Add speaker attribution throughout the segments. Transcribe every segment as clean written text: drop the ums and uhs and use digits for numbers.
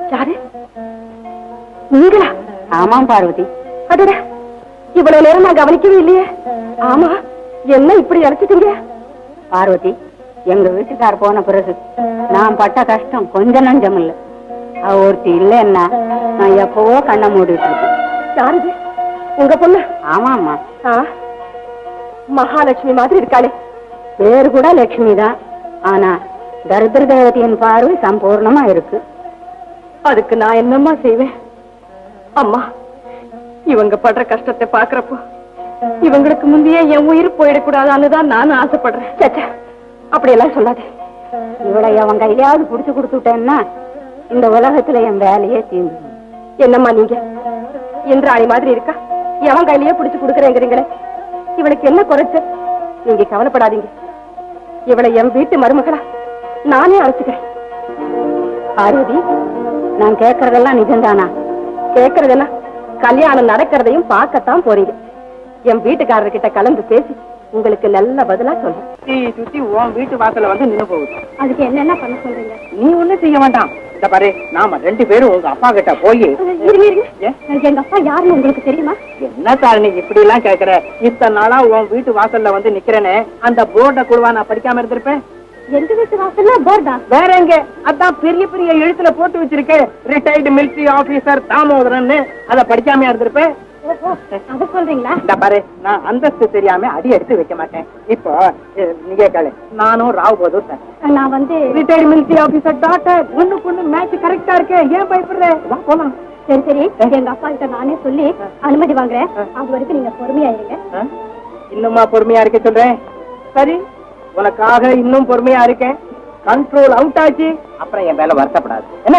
Speaker 1: யாரு நீங்களா?
Speaker 2: ஆமாம் பார்வதி.
Speaker 1: அடட, இவ்வளவு நேரம் நான் கவனிக்கவே இல்லையே. ஆமா, என்ன இப்படி அழைச்சிட்டீங்க?
Speaker 2: பார்வதி, எங்க வீட்டுக்கார் போன பிறகு நான் பட்ட கஷ்டம் கொஞ்சம் நஞ்சம் இல்ல. அவ ஒருத்தி இல்லைன்னா நான் எப்பவோ கண்ணை மூடிட்டு இருக்கேன்.
Speaker 1: யாருது? உங்க பொண்ணு?
Speaker 2: ஆமாமா.
Speaker 1: மகாலட்சுமி மாதிரி இருக்காளே.
Speaker 2: பேரு கூட லட்சுமி தான், ஆனா தரித்திர தேவதையின் பார்வை சம்பூர்ணமா இருக்கு.
Speaker 1: அதுக்கு நான் என்னம்மா செய்வேன்? அம்மா, இவங்க படுற கஷ்டத்தை பாக்குறப்போ இவங்களுக்கு முந்தையே என் உயிர் போயிடக்கூடாதான்னு தான் நானும் ஆசைப்படுறேன். சச்சா, அப்படியெல்லாம் சொல்லாதே.
Speaker 2: இவளை அவன் கையிலாவது புடிச்சு கொடுத்துட்டேன்னா இந்த உலகத்துல என் வேலையே தீர்ந்து.
Speaker 1: என்னம்மா நீங்க இந்திராணி மாதிரி இருக்கா, எவன் கையிலேயே புடிச்சு கொடுக்குறேங்கிறீங்களே. இவளுக்கு என்ன குறைச்ச? நீங்க கவலைப்படாதீங்க, இவளை என் வீட்டு மருமகளா நானே அழைச்சுக்கிறேன்.
Speaker 2: பார்வதி, நான் கேட்கறதெல்லாம் நிஜம்தானா?
Speaker 1: கேட்கறதெல்லாம் கல்யாணம் நடக்கிறதையும் பார்க்கத்தான் போறீங்க. என் வீட்டுக்காரர்கிட்ட கலந்து பேசி உங்களுக்கு நல்ல பதிலா சொல்றேன்.
Speaker 3: சுத்தி உன் வீட்டு வாசல்ல வந்து நின்னு போகுது.
Speaker 1: அதுக்கு என்னென்ன பண்ண சொல்றீங்க?
Speaker 3: நீ ஒண்ணும் செய்ய வேண்டாம். இந்த பாரு, நாம 2 பேரும் உங்க அப்பா கிட்ட போய்,
Speaker 1: எங்க அப்பா யாருன்னு உங்களுக்கு தெரியுமா?
Speaker 3: என்ன தாரணி இப்படி எல்லாம் கேக்குற? இத்தனை நாளா உன் வீட்டு வாசல்ல வந்து நிக்கிறேன்னு அந்த போர்ட குழுவா நான் படிக்காம இருந்திருப்பேன்?
Speaker 1: எந்த வீட்டு வாசல்ல போர்டா?
Speaker 3: வேற எங்க? அதான் பெரிய பெரிய எழுத்துல போட்டு வச்சிருக்கேன், ரிட்டையர்டு மிலிட்டரி ஆபீசர் தாமோதரன். அத படிக்காம இருந்திருப்பேன்.
Speaker 1: அது சொல்றீங்களா?
Speaker 3: இந்த பாரு, நான் அந்தஸ்து தெரியாம அடி எடுத்து வைக்க மாட்டேன். இப்போ நீங்க கேளு, நானும் ராவ் பகதூர் சார்.
Speaker 1: நான் வந்து
Speaker 3: ரிட்டையர்டு மிலிட்டரி ஆபீசர் டாக்டர். ஒண்ணுக்கு மேட்ச் கரெக்டா இருக்கு. ஏன் பயப்படுற? போலாம்.
Speaker 1: சரி சரி, எங்க அப்பா கிட்ட நானே சொல்லி அனுமதி வாங்குறேன். அது வரைக்கும் நீங்க பொறுமையா இருங்க.
Speaker 3: இன்னுமா பொறுமையா இருக்க சொல்றேன்? சரி, உனக்காக இன்னும் பொறுமையா இருக்கேன். கண்ட்ரோல் அவுட் ஆச்சு, அப்புறம் என் மேல வருத்தப்படாது. என்ன?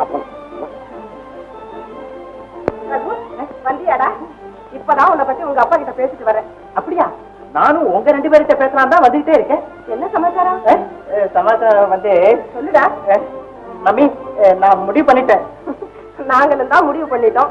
Speaker 1: வந்தியாடா? இப்பதான் உன்னை பத்தி உங்க அப்பா கிட்ட பேசிட்டு வரேன்.
Speaker 3: அப்படியா? நானும் உங்க 2 பேர்கிட்ட பேசலாம் தான் வந்துகிட்டே இருக்கேன்.
Speaker 1: என்ன சமாச்சாரம்?
Speaker 3: சமாச்சாரம் வந்து
Speaker 1: சொல்லுடா.
Speaker 3: மம்மி, நான் முடிவு பண்ணிட்டேன்.
Speaker 1: நாங்களும் தான் முடிவு பண்ணிட்டோம்.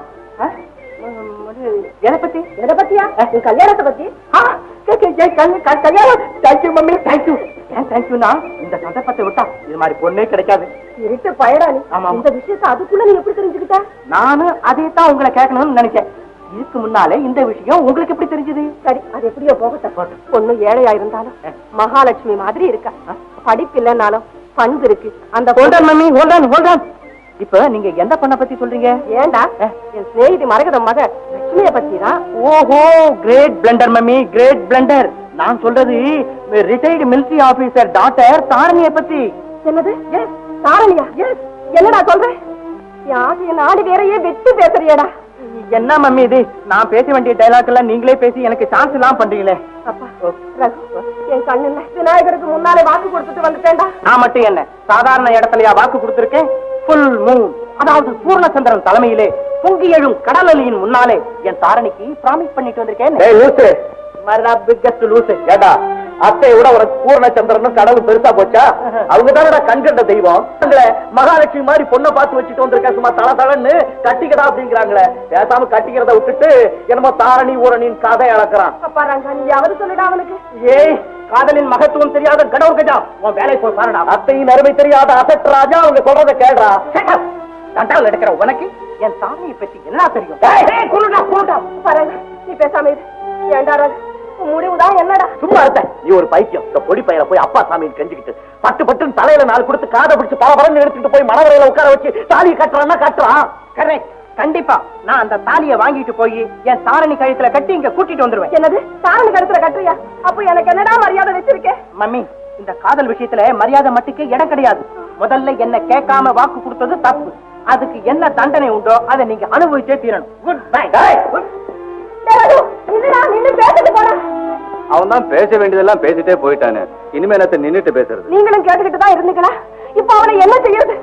Speaker 3: எதை பத்தி?
Speaker 1: எதை பத்தியா? உன் கல்யாணத்தை பத்தி.
Speaker 3: கல்யாணம். Thank you mummy, thank you. ஏன் தேங்க்யூனா, இந்த சந்தர்ப்பத்தை விட்டா இது மாதிரி பொண்ணே கிடைக்காது.
Speaker 1: இருட்டு பயடா நீ.
Speaker 3: ஆமா.
Speaker 1: இந்த விஷயத்தை அதுக்குள்ள நீ எப்படி தெரிஞ்சுக்கிட்ட?
Speaker 3: நானும் அதே தான் உங்களை கேட்கணும்னு நினைச்சேன். இதுக்கு முன்னாலே இந்த விஷயம் உங்களுக்கு எப்படி தெரிஞ்சது?
Speaker 1: சரி, அது எப்படியோ போகட்டும். பொண்ணு ஏழையா இருந்தாலும் மகாலட்சுமி மாதிரி இருக்கா. படிப்பு இல்லைன்னாலும் பண்பு இருக்கு. அந்த
Speaker 3: மம்மி, ஹோல்டான். இப்ப நீங்க எந்த பொண்ணை பத்தி சொல்றீங்க?
Speaker 1: ஏண்டா, என் சிநேகிதி மரகதம் மக லட்சுமிய பத்தி தான்.
Speaker 3: ஓஹோ, great blunder mummy, great blunder. நான் சொல்றது ரிட்டையர்டு மிலிட்டரி ஆபீசர் டாக்டர் தாரணிய பத்தி.
Speaker 1: என்னது? தாரணியா? என்னடா சொல்ற? என் நாடு வேறையே வெட்டி பேசுறியடா.
Speaker 3: என்ன மம்மி இது? நான் பேச வேண்டிய டைலாக் எல்லாம் நீங்களே பேசி எனக்கு சான்ஸ் எல்லாம் பண்றீங்களே.
Speaker 1: அப்பா, என் கண்ணுல விநாயகருக்கு முன்னாலே வாக்கு கொடுத்துட்டு வந்துட்டேன்டா.
Speaker 3: நான் மட்டும் என்ன சாதாரண இடத்துலயா வாக்கு கொடுத்திருக்கேன்? ஃபுல் மூன், அதாவது பூர்ணச்சந்திரன் தலைமையிலே பொங்கி எழும் கடல் அலையின் முன்னாலே என் தாரணிக்கு பிராமிஸ் பண்ணிட்டு வந்திருக்கேன்.
Speaker 4: அத்தையை விட உனக்கு பூர்ணச்சந்திரனும் கடவுள் பெருசா போச்சா? அவங்கதானடா கண்கண்ட தெய்வம். மகாலட்சுமி மாதிரி பொண்ணை பார்த்து வச்சுட்டு வந்திருக்க, சும்மா தளன்னு கட்டிக்கடா அப்படிங்கிறாங்களே. பேசாம கட்டிக்கிறத விட்டுட்டு என்னமோ தாரணி ஊரணின் கதை அளக்குறான்.
Speaker 1: அப்பா ரங்கா, நீ யாவது சொல்லிடா அவனுக்கு.
Speaker 3: ஏய், காதலின் மகத்துவம் தெரியாத கடவுள் கஜா, உன் வேலை போய் பாருடா.
Speaker 4: அத்தையின் அருமை தெரியாத அசட் ராஜா, அவங்க சொல்றதை கேடுறா.
Speaker 3: தண்டாவில் எடுக்கிற உனக்கு என் தாரணியை பத்தி என்ன தெரியும்?
Speaker 1: நீ பேசாம இரு. ஏண்டா ராஜா, முடிவுதான் என்னடா?
Speaker 4: சும்மா இருந்த நீ ஒரு பைத்தியம். இந்த பொடி பையனை போய் அப்பா சாமின்னு கெஞ்சிக்கிட்டு பட்டு பட்டுன்னு தலையில 4 கொடுத்து காதை பிடிச்சு பல பறந்து எடுத்துட்டு போய் மனவரையில உட்கார வச்சு தாலியை கட்டுறான்னா கட்டுறான்.
Speaker 3: கரெக்ட், கண்டிப்பா. நான் அந்த தாலியை வாங்கிட்டு போய் என் தாரணி கழுத்துல கட்டி இங்க கூட்டிட்டு வந்துருவேன்.
Speaker 1: என்னது? தாரணி கழுத்துல கட்டுறியா? அப்ப எனக்கு என்னடா மரியாதை வச்சிருக்கேன்?
Speaker 3: மம்மி, இந்த காதல் விஷயத்துல மரியாதை மட்டுக்கு இடம் கிடையாது. முதல்ல என்ன கேட்காம வாக்கு கொடுத்தது தப்பு. அதுக்கு என்ன தண்டனை உண்டோ அதை நீங்க அனுபவிச்சே தீரணும். Goodbye.
Speaker 4: அவன் தான் பேச வேண்டியதெல்லாம் பேசிட்டே போயிட்டானே, இனிமே என்னத்த நின்னுட்டு பேசுறது?
Speaker 1: நீங்களும் கேட்டுக்கிட்டு தான் இருந்தீங்களா? இப்ப அவனை என்ன செய்யறது?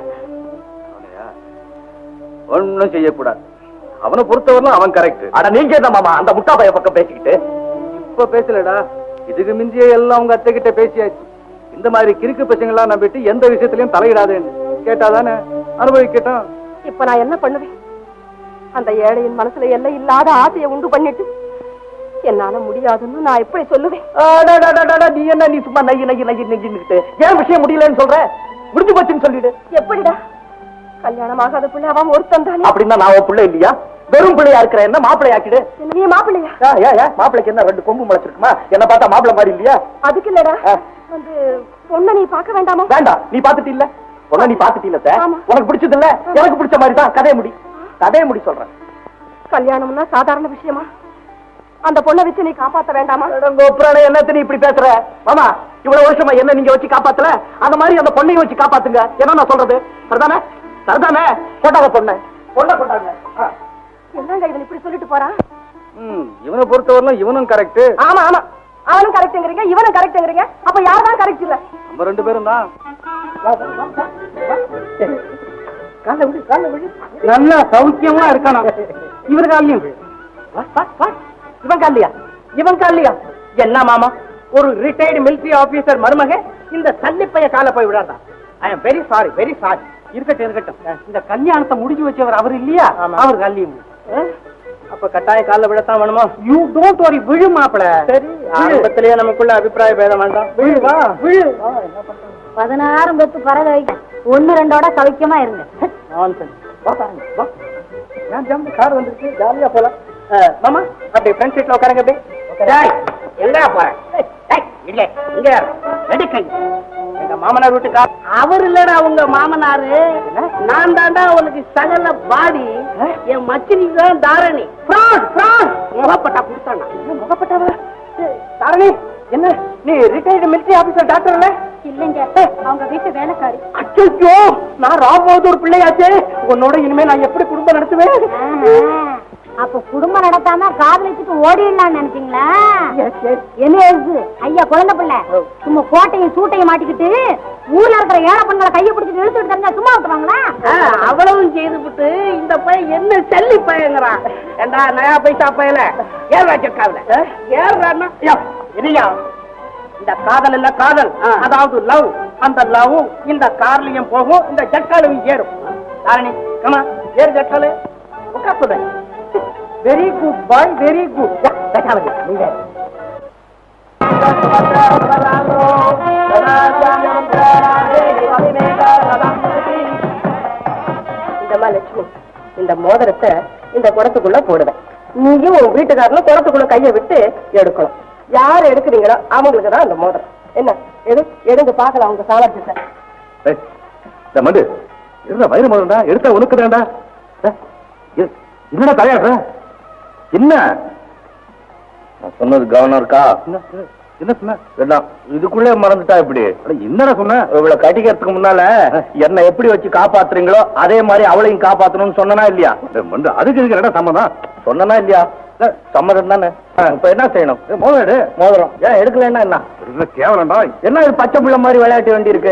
Speaker 4: ஒன்னும் செய்யக்கூடாது. அவனை பொறுத்தவரைக்கும் அவன் கரெக்ட். அட நீங்க என்ன மாமா அந்த முட்டா பைய பக்கம் பேசிக்கிட்டு? இப்ப பேசலடா, இதுக்கு மிஞ்சியே எல்லாம் உங்க அத்தை கிட்ட பேசியாச்சு. இந்த மாதிரி கிறுக்கு பசங்களாம் நம்பிட்டு எந்த விஷயத்திலையும் தலையிடாதேன்னு கேட்டாதானே அனுபவிக்கட்டும்.
Speaker 1: இப்ப நான் என்ன பண்ணுவேன்? அந்த ஏழையின் மனசுல எல்லாம் இல்லாத ஆசையை உண்டு பண்ணிட்டு என்னால முடியாதுன்னு நான் எப்படி சொல்லுவேன்?
Speaker 4: நீ என்ன, நீ சும்மா நெய்யு நெய்யு நெய்யு நெய்யுன்னுட்டு ஏன் விஷயம் முடியலன்னு சொல்ற? முடிஞ்சு போச்சுன்னு சொல்லிடு.
Speaker 1: எப்படிடா? கல்யாணம் ஆகாத பிள்ளை அவன் ஒருத்தன் தானே.
Speaker 3: அப்படின்னா நான் உன் பிள்ளை இல்லையா? வெறும் பிள்ளையா இருக்கிற என்ன மாப்பிள்ளை ஆக்கிடு.
Speaker 1: நீ மாப்பிள்ளையா?
Speaker 3: மாப்பிள்ளைக்கு என்ன 2 கொம்பு முளைச்சிருக்குமா? என்ன பார்த்தா மாப்பிள்ளை மாதிரி இல்லையா?
Speaker 1: அதுக்கு இல்லடா, வந்து பொண்ணை நீ பார்க்க வேண்டாமா?
Speaker 3: வேண்டாம், நீ பாத்துட்டு இல்ல பொண்ணை, நீ பாத்துட்டு இல்ல சார்.
Speaker 1: ஆமா.
Speaker 3: உனக்கு பிடிச்சது இல்ல, எனக்கு பிடிச்ச மாதிரி தான். கதையை முடி சொல்றேன்.
Speaker 1: கல்யாணம்னா சாதாரண விஷயமா? அந்த பொண்ணை வச்சு நீ காப்பாத்த வேண்டாமா?
Speaker 3: என்னத்த நீ இப்படி பேசுற? மாமா, இவ்வளவு வருஷமா என்ன நீங்க வச்சு காப்பாத்தல, அந்த மாதிரி அந்த பொண்ணையும் வச்சு காப்பாத்துங்க. என்ன நான் சொல்றது? சரிதானே? சரிதானே? போட்டாங்க பொண்ணை போட்டாங்க.
Speaker 1: என்னங்க இவன் இப்படி சொல்லிட்டு போறான்?
Speaker 4: இவனை பொறுத்தவரையிலும் இவனும் கரெக்ட்.
Speaker 1: ஆமா ஆமா, அவனும் கரெக்ட்ங்கறீங்க, இவனும் கரெக்ட்ங்கறீங்க. அப்ப யார் தான் கரெக்ட் இல்ல?
Speaker 4: நம்ம 2 பேரும் தான்.
Speaker 3: நல்லா சௌக்கியமா இருக்கணும். இவர் காலையும் இவன் காலியா? என்ன மாமா, ஒரு ரிட்டையர்டு மிலிட்டரி ஆபீசர் மருமக இந்த சல்லிப்பைய கால போய் விடாதா? I am very sorry, very sorry. இருக்கட்டும். இந்த கல்யாணத்தை முடிஞ்சு வச்சவர் அவர் இல்லையா? அவர் காலியும். அப்ப கட்டாய கால விடத்தான் வேணுமா? யூ டோன்ட் வரி, விழு மாப்பிள. சரி, ஆரம்பத்திலேயே நமக்குள்ள அபிப்பிராய பேதம் வேண்டாம். விழுவா விழு.
Speaker 2: 16 பெத்து பறவை 1-2ஓட சௌக்கியமா இருங்க.
Speaker 3: கார் வந்துருச்சு, ஜாலியா போலாம். மாமா, அப்படி ஃப்ரெண்ட் சீட்ல உட்காருங்க. அப்படி எங்க போறேன்? இல்ல இங்க ரெடி. எங்க மாமனார் வீட்டு கார். அவர் இல்லடா உங்க மாமனாரு, நான் தாண்டா உனக்கு சகல பாடி. என் மச்சினிக்கு தான் தாரணி. முகப்பட்டா கொடுத்தானா? முகப்பட்டாவா? தாரணி, என்ன நீ ரிட்டையர்டு மிலிட்டரி ஆபீசர் டாக்டர் இல்ல?
Speaker 2: இல்லங்க, அவங்க வீட்டு வேலைக்காரி.
Speaker 3: அச்சோ, நான் ராமோதூர் பிள்ளையாச்சே. உன்னோட இனிமே நான் எப்படி குடும்பம் நடத்துவேன்?
Speaker 2: அப்ப குடும்பம் நடத்தாம காதலிச்சுட்டு ஓடிடலாம் நினைச்சீங்களா? என்ன எழுது ஐயா குழந்தை பிள்ளை சும்மா கோட்டையும் சூட்டையும் மாட்டிக்கிட்டு ஊர்ல இருக்கிற ஏழை பெண்களை கையை பிடிச்சிட்டு இழுத்துட்டு தெரிஞ்சா சும்மா விட்டுவாங்களா?
Speaker 3: அவ்வளவும் செய்துவிட்டு இந்த பையன் என்ன சல்லி பையங்கிறான். ஏண்டா நயா பைசா பையல ஏறா ஜக்காவில ஏறா. இந்த காதல் இல்ல காதல், அதாவது லவ். அந்த லவ் இந்த கார்லயும் போகும், இந்த ஜக்காலும் ஏறும். தாரணி, கமா ஏறு ஜக்காலு. உட்கார். Very good boy, very good. நீங்க
Speaker 1: இந்தமா லட்சுமி, இந்த மோதிரத்தை இந்த குடத்துக்குள்ள போடுவேன். நீயும் உன் வீட்டுக்காரனும் குடத்துக்குள்ள கையை விட்டு எடுக்கணும். யார் எடுக்கிறீங்களோ அவங்களுக்கு தான் அந்த மோதிரம். என்ன எடுங்க பாக்கலாம் உங்க சாமர்த்தியத்தை.
Speaker 4: மண்டு வயிறு மோதிரம்டா, எடுத்தா உனக்குதான்டா. என்னடா தலையாடுற? என்ன சொன்னது கவர்னருக்கா? என்ன சொன்ன? இதுக்குள்ளே மறந்துட்டா இப்படி? என்னடா சொன்ன? இவளை கட்டிக்கிறதுக்கு முன்னால என்ன எப்படி வச்சு காப்பாத்துறீங்களோ அதே மாதிரி அவளையும் காப்பாத்தணும்னு சொன்னா இல்லையா? அதுக்கு இதுக்கு என்ன சம்மதம்? சொன்னா இல்லையா? சம்மதம் தானே. இப்ப என்ன செய்யணும்? மோதிரம் ஏன் எடுக்கலன்னா என்ன கேவலம்டா? என்ன இது பச்சை பிள்ளை மாதிரி விளையாட்டு வேண்டி இருக்கு?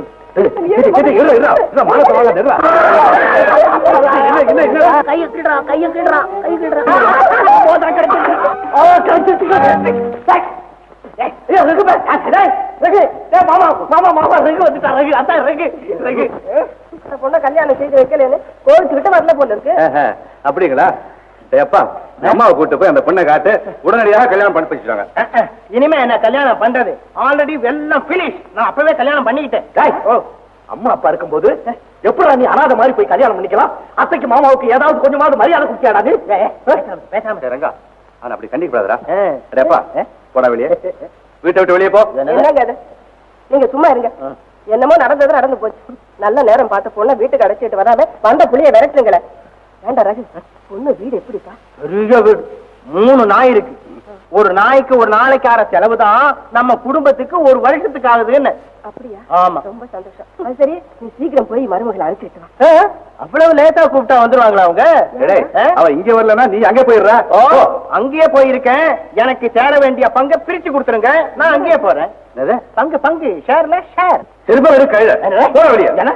Speaker 1: பொண்ணை கல்யாணம் செய்து வைக்கலன்னு கோவிச்சுக்கிட்டு வரல போல இருக்கு.
Speaker 4: அப்படிங்களா? அப்பா, அம்மாவை கூட்டு போய் அந்த பொண்ணை காட்டு, உடனடியாக கல்யாணம் பண்ணி வச்சுட்டாங்க.
Speaker 3: இனிமே என்ன கல்யாணம் பண்றது? ஆல்ரெடி எல்லாம் பினிஷ். நான் அப்பவே கல்யாணம் பண்ணிக்கிட்டேன்.
Speaker 4: அம்மா அப்பா இருக்கும்போது எப்படா நீ அனாதை மாதிரி போய் கல்யாணம் பண்ணிக்கலாம்? அத்தைக்கு மாமாவுக்கு ஏதாவது கொஞ்சமாவது மரியாதை குடிக்காடாது? பேசாம ரங்கா, ஆனா அப்படி கண்டிப்பாதரா. அப்பா போடா வெளியே, வீட்டை விட்டு வெளியே போ.
Speaker 1: என்னங்க அது? நீங்க சும்மா இருங்க. என்னமோ நடந்தது நடந்து போச்சு. நல்ல நேரம் பார்த்து பொண்ணை வீட்டுக்கு அடைச்சிட்டு வராம வந்த புள்ளிய விரட்டுங்களே. வேண்டா ரகு, பொண்ணு வீடு எப்படிப்பா?
Speaker 3: பெரிய வீடு, 3 நாய் இருக்கு. ஒரு நாய்க்கு ஒரு நாளைக்கார செலவுதான் நம்ம குடும்பத்துக்கு ஒரு வருஷத்துக்கு ஆகுதுன்னு.
Speaker 1: அப்படியா?
Speaker 3: ஆமா,
Speaker 1: ரொம்ப சந்தோஷம். அது சரி, நீ சீக்கிரம் போய் மருமகளை அழைச்சிட்டு வா.
Speaker 3: அவ்வளவு லேட்டா கூப்பிட்டா வந்துருவாங்களா அவங்க?
Speaker 4: அவ இங்க வரலன்னா நீ அங்கே போயிடுற.
Speaker 3: அங்கேயே போயிருக்கேன். எனக்கு சேர வேண்டிய பங்கை பிரிச்சு கொடுத்துருங்க, நான் அங்கேயே போறேன். பங்கு ஷேர்ல ஷேர்.
Speaker 4: திரும்ப கழுத போற வெளியே. என்ன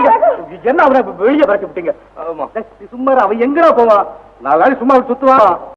Speaker 4: அவனை வெளியே பறக்க விட்டீங்க? சும்மா அவன் எங்கடா போவான்? 4 நாள் சும்மா சுத்துவான்.